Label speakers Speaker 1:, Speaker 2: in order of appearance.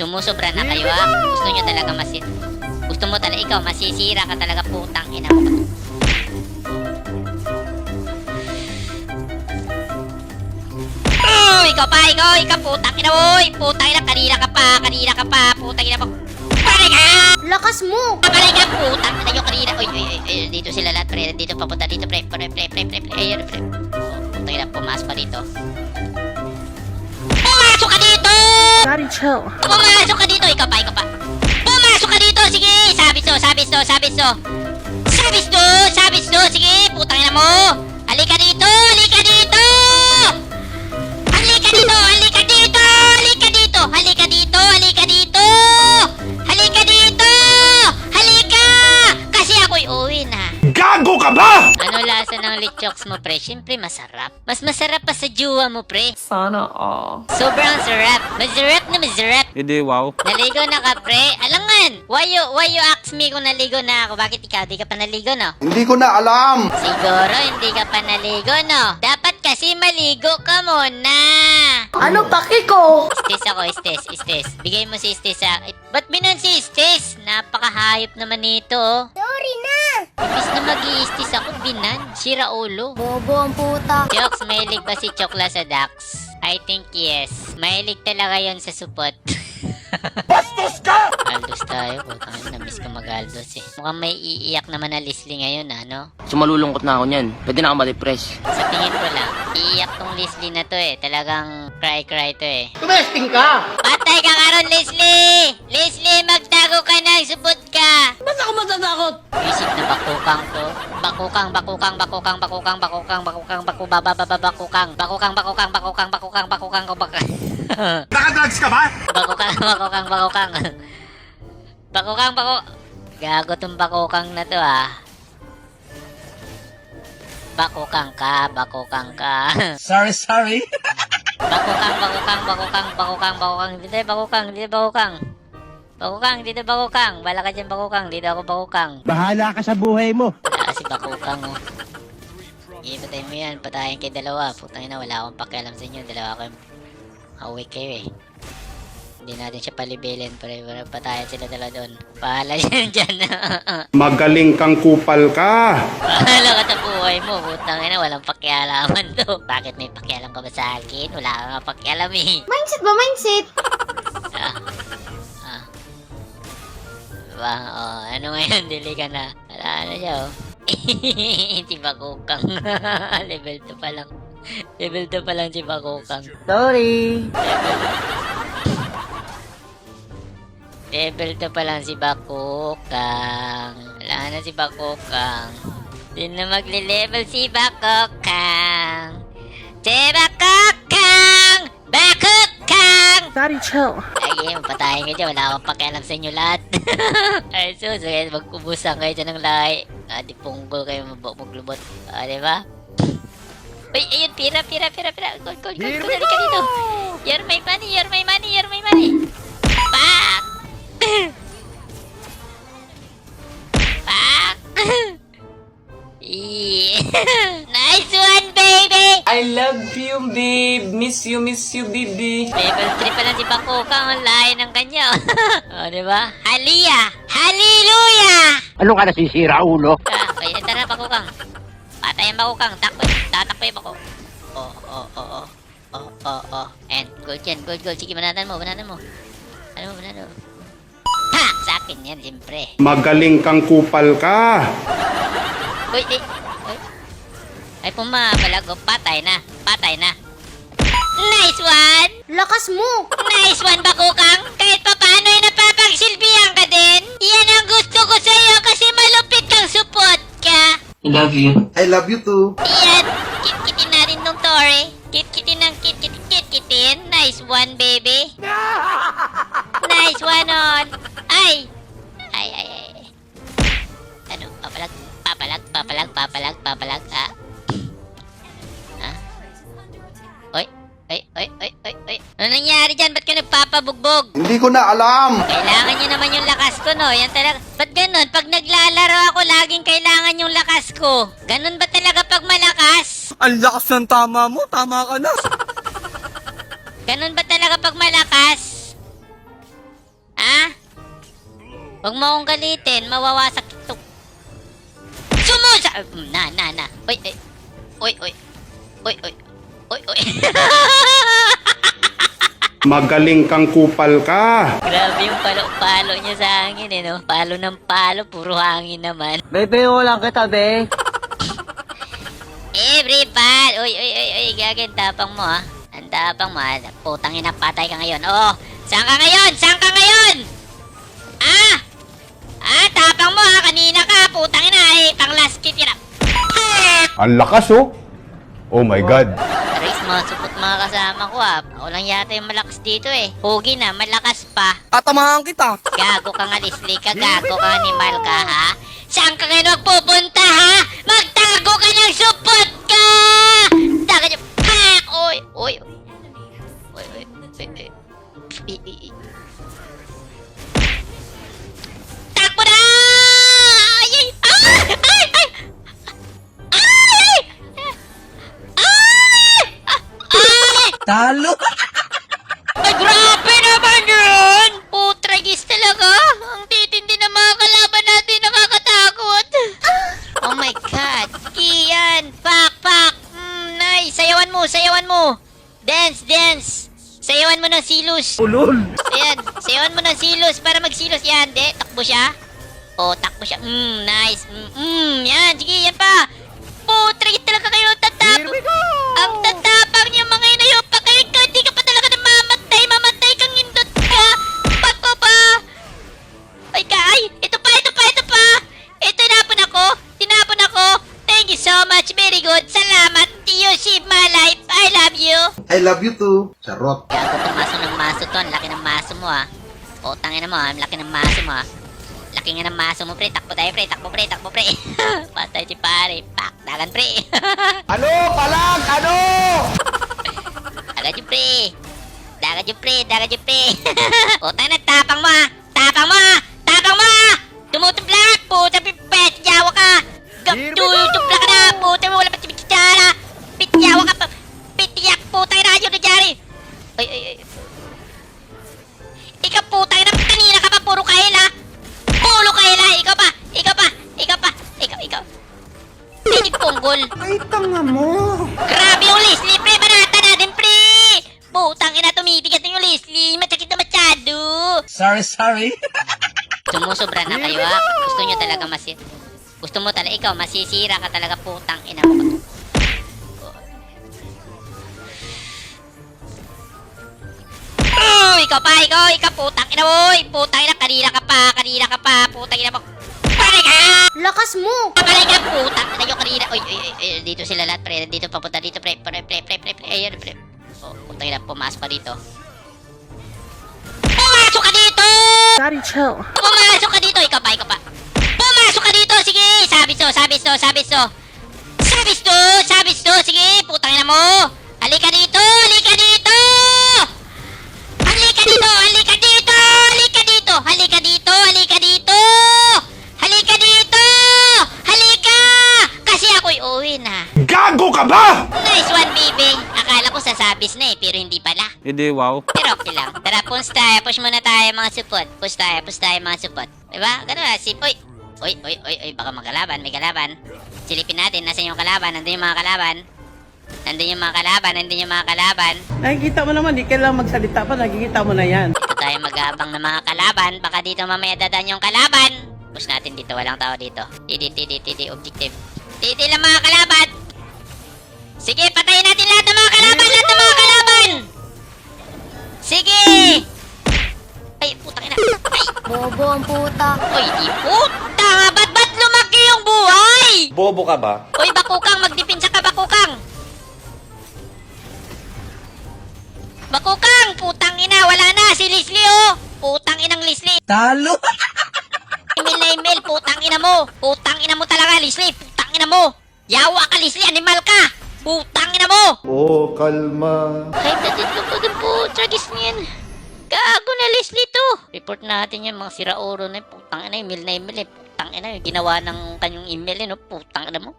Speaker 1: Sumusobra na kayo ha. Gusto nyo talaga gusto mo talaga ikaw, masisira ka talaga, putang ina mo. Ikaw, putang ina mo. Putang ina, kanina ka pa, putang ina mo. Pare ka!
Speaker 2: Lakas mo!
Speaker 1: Pare ka, putang ina yung kanina. Uy, dito sila lahat, pre. Dito, papunta dito, pre. Ayun, pre. Putang ina, pumasok pa dito. Pumasok ka dito!
Speaker 2: Daddy, chill.
Speaker 1: Pumasok ka dito, ikaw pa. Pumasok ka dito, sige! Sabis to, sige! Putang ina mo! Halika dito! Kasi ako'y uwi na.
Speaker 3: Gago ka ba?
Speaker 1: Ano lasa ng lechoks mo, pre? Siyempre masarap. Mas masarap pa sa juwa mo, pre.
Speaker 2: Sana all.
Speaker 1: Sobrang sarap. Masarap.
Speaker 3: Hindi, wow.
Speaker 1: Naligo na ka, pre? Alangan! Why you ask me kung naligo na ako? Bakit ikaw? Di ka pa naligo, no?
Speaker 3: Hindi ko na alam.
Speaker 1: Siguro hindi ka pa naligo, no? Dapat kasi maligo ka muna.
Speaker 2: Ano paki ko?
Speaker 1: Istes ako, istes. Bigay mo si istes sa... Ba't binan si istes? Napakahayop naman nito, oh.
Speaker 2: Sorry na!
Speaker 1: Imbis na mag-i-istes ako, binan. Sira ulo.
Speaker 2: Bobo ang puta.
Speaker 1: Chokes, mahilig ba si Chokla sa ducks? I think yes. Mahilig talaga yon sa supot.
Speaker 3: Bastos ka!
Speaker 1: Aldos tayo. Namiss ko mag-Aldos eh. Mukhang may iiyak naman na Leslie ngayon, ano?
Speaker 4: Sumalulungkot na ako niyan. Pwede na ako ma-depress.
Speaker 1: Sa tingin ko lang, iiyak tong Leslie na to eh. Talagang cry to eh.
Speaker 4: Tumesting ka!
Speaker 1: Patay ka karon, Leslie! Leslie, magtago ka na! Supot ka!
Speaker 4: Ba't ako matatakot?
Speaker 1: Isip na bakukang to. Bakukang.
Speaker 3: Nakadrugs ka ba?
Speaker 1: Bakukang. Gago tong bakukang na to ah. Bakukang ka.
Speaker 3: Sorry.
Speaker 1: Dito bakukang. Bala ka dyan bakukang. Dito ako bakukang.
Speaker 5: Bahala ka sa buhay mo.
Speaker 1: Wala kasi bakukang oh. Patay mo yan. Patayin kayo dalawa. Putang ina, wala akong pakialam sa inyo. Dalawa kayo. Away kayo eh. Hindi natin siya palibilin. Para patayin sila dalawa doon. Bahala dyan.
Speaker 3: Magaling kang kupal ka.
Speaker 1: Bahala ka sa buhay mo. Putang ina, walang pakialaman to. Bakit may pakialam ka ba sa akin? Wala ka nga pakialam eh.
Speaker 2: Mindset ba? Mindset?
Speaker 1: Diba? Oh, ano ngayon? Dili ka na. Wala na siya oh. Si Bakukang. Level 2 pa lang. Level 2 pa lang si Bakukang.
Speaker 4: Sorry.
Speaker 1: Level 2 pa lang si Bakukang. Wala na si Bakukang. Di na magle-level si Bakukang. Si Bakukang! Bakukang!
Speaker 2: Daddy, chill.
Speaker 1: Lagi, mapatayin kayo dyan. Wala akong pakialam sa inyo lahat. Ay, sus, magkubusan kayo dyan ng lahi. Di punggol kayo maglubot. Diba? Uy, ayun, pira. Gold. Dali ka dito. You're my money. Pak! Nice one, baby!
Speaker 4: I love you, babe. Miss you, baby.
Speaker 1: Level 3 pa lang si Bakukang. Ang lahi ng kanya. O, diba? Hallelujah!
Speaker 5: Ano ka nasisira, ulo?
Speaker 1: Okay, tara, Bakukang. Patay ang Bakukang. Tatakbo yung Bakukang. And gold yan, gold. Sige, banatan mo. Ano mo? Pak! Sa akin yan, siyempre.
Speaker 3: Magaling kang kupal ka.
Speaker 1: Uy. Ay, pumapalag. Patay na. Nice one!
Speaker 2: Lakas mo!
Speaker 1: Nice one, Bakukang! Kahit pa paano ay napapagsilbihan ka din! Yan ang gusto ko sa'yo kasi malupit kang support ka!
Speaker 4: I love you.
Speaker 3: I love you too.
Speaker 1: Yan! Kit-kitin natin nung Tori! Kit-kitin. Nice one, baby! Nice one on! Ay! Ano? Papalag, ha? Oy! Ano nangyari dyan? Ba't ka nagpapabugbog?
Speaker 3: Hindi ko na alam.
Speaker 1: Kailangan nyo naman yung lakas ko, no? Yan talaga. Ba't ganun? Pag naglalaro ako, laging kailangan yung lakas ko. Ganun ba talaga pag malakas?
Speaker 4: Ang lakas ng tama mo. Tama ka na.
Speaker 1: Ganun ba talaga pag malakas? Huwag mo akong galitin, mawawasak ito. Sumusa! Na. Oy.
Speaker 3: Magaling kang kupal ka.
Speaker 1: Grabe yung palo niya sa hangin eh, no? Palo ng palo, puro hangin naman.
Speaker 5: Bebe, lang kita, be.
Speaker 1: Everybody! Uy, gagawin tapang mo ha. Ang tapang mo ha. Putang ina, patay ka ngayon. Oh, saan ka ngayon? Tapang mo ha. Kanina ka, putang ina eh. Pang last kit yun.
Speaker 3: Ang lakas oh. Oh my God.
Speaker 1: Aris, mga supot mga kasama ko ha. Ako lang yata yung malakas dito eh. Hugi na, malakas pa.
Speaker 4: Tatamahan kita.
Speaker 1: Gago ka nga, Leslie ka. Gago ka, animal ka ha. Saan ka ngayon magpupunta ha? Magtago ka ng supot ka! Taga niyo. Pak! Oy. Takbo na! Ay!
Speaker 4: Talo.
Speaker 1: Ay, grabe naman yun! Putragis talaga! Ang titindi ng mga kalaban natin, nakakatakot! Oh my God! Kian! Pak! Nice! Sayawan mo! Dance! Sayawan mo ng silos!
Speaker 5: Ulol.
Speaker 1: Ayan, sayawan mo ng silos para magsilos. Yan, takbo siya. Oh, takbo siya. Nice. Yan, sige, yan pa. Putragis talaga kayo, tatapang. Ang tatapang niyo mga inayo pa kayo. Hindi ka pa talaga namamatay. Mamatay kang indot ka. Pagpo pa. Ay, ito pa. Ito, tinapon ako. Thank you so much. Very good. Salamat. You saved my life. I love you.
Speaker 3: I love you too. Charot.
Speaker 1: Gago tong maso to. Ang laki ng maso mo ha. O, tangin mo ha. Ang laki ng maso mo ha. Laki nga ng maso mo pre. Takbo tayo pre. Patay si pare. Pak. Dagan pre.
Speaker 3: Ano? Palag! Ano?
Speaker 1: Dagan yung pre. O, tangin na. Tapang mo ha. Tumutublak. Puta pipet. Yawa ka. Tutublak ka na. Puta mo. Wala pa si Pitjara. Pityawa ka pa. Pityak. Puta na yun na dyari. Ay. Ikaw putang ina, kanina ka pa puro kahila. Ikaw pa. Hindi punggol.
Speaker 3: Ay, tanga mo.
Speaker 1: Grabe yung Leslie, pre. Banata natin, pre. Putang ina, tumibigat na yung Leslie. Matsakit na masyado.
Speaker 4: Sorry.
Speaker 1: Sumusobra na kayo, ha? Gusto mo talaga, ikaw, masisira ka talaga, putang ina mo. Ikaw, putang ina mo. Putang ina, kanina ka pa. Putang ina mo. Pare ka!
Speaker 2: Lakas mo!
Speaker 1: Pare ka, putang ina yung kanina. Oy, dito sila lahat, pre. Dito, papunta dito, pre. Ayan, pre. Oh, putang ina, pumasok pa dito. Pumasok ka dito!
Speaker 2: Daddy, chill.
Speaker 1: Pumasok ka dito, ikaw pa. Pumasok ka dito, sige! Sabis to. Sige, putang ina mo. Halika dito! Kasi ako'y uwi na.
Speaker 3: Gago ka ba?
Speaker 1: Nice one, baby. Akala ko sasabis na eh, pero hindi pala.
Speaker 4: Hindi, wow.
Speaker 1: Pero okay lang. Tara, push muna tayo mga support. Push tayo mga support. Diba? Ganun na, Uy, baka magkalaban, may kalaban. Silipin natin, nasan yung kalaban? Nandun yung mga kalaban.
Speaker 6: Nakikita mo naman, di kailangan magsalita pa, nakikita mo na yan.
Speaker 1: Dito tayo mag-aabang ng mga kalaban. Baka dito mamaya dadan yung kalaban. Push natin dito, walang tao dito. Tidi, objective. Tidi lang mga kalaban. Sige, patayin natin lahat ng mga kalaban. Sige! Ay, putang ina. Ay!
Speaker 2: Bobo ang puta.
Speaker 1: Uy, di puta! Ba't lumaki yung buhay?
Speaker 4: Bobo ka ba?
Speaker 1: Uy, bakukang! Magdipinsa ka, bakukang! Putang ina! Wala na! Si Leslie, oh! Putang inang Leslie!
Speaker 4: Talo.
Speaker 1: Email! Putang ina mo! Putang ina mo talaga, Leslie! Putang ina mo! Yawa ka, Leslie! Animal ka! Putang ina mo!
Speaker 3: Oh, kalma.
Speaker 1: Ay, tatid ko pa dun po. Tragis niyan. Gago na Leslie to. Report natin yan, mga sirauro na yun. Putang ina, email na email eh. Putang ina, yung ginawa ng kanyang email eh, no? Putang ina mo.